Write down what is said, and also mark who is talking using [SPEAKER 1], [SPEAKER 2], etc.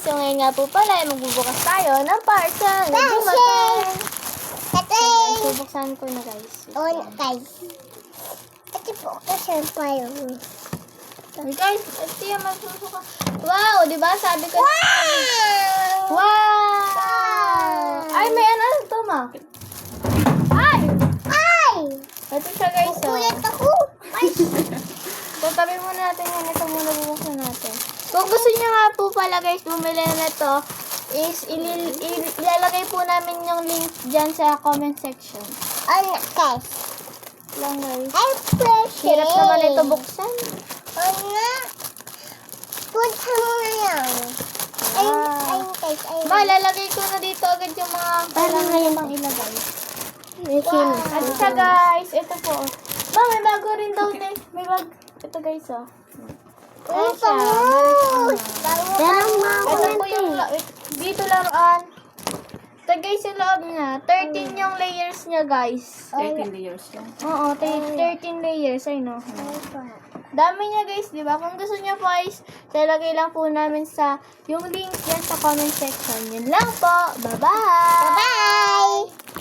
[SPEAKER 1] guys, so ngayon nga po pala ay magbubukas tayo ng parcel na dumating. So, buksan ko na guys.
[SPEAKER 2] Guys. Ito po kasi pa yun.
[SPEAKER 1] Hey guys, ito yung magbubukas. Wow, di ba? Sabi ko.
[SPEAKER 2] Wow!
[SPEAKER 1] Wow! Ay, may ano ito, ma? Ay!
[SPEAKER 2] Ay!
[SPEAKER 1] Ito siya guys.
[SPEAKER 2] Kukulat ako. Ay!
[SPEAKER 1] So, tabi muna natin yan. Ito muna bubuksan natin. Kung gusto niyo nga po pala guys, bumili na ito, is ilalagay po namin yung link dyan sa comment section.
[SPEAKER 2] Ano, guys?
[SPEAKER 1] Lang guys.
[SPEAKER 2] Ay, precious.
[SPEAKER 1] Hirap naman ito buksan.
[SPEAKER 2] Ano? Punta mo na yan. Ay, guys. Ay,
[SPEAKER 1] Ma, lalagay ko na dito agad yung mga kailangan pang ilagay.
[SPEAKER 2] wow.
[SPEAKER 1] At siya guys, ito po. Ma, may bago rin daw din. May bag. Ito guys, oh. Ayan siya.
[SPEAKER 2] Yan ang mga
[SPEAKER 1] Ito po yung, dito laruan. Ito guys yung loob niya. 13 yung layers niya guys.
[SPEAKER 3] 13 layers yan.
[SPEAKER 1] Oo, 13 layers. I know. Dami niya guys, di ba? Kung gusto niyo po guys, lalagay lang po namin sa yung link yan sa comment section. Yun lang po. Bye-bye!
[SPEAKER 2] Bye-bye!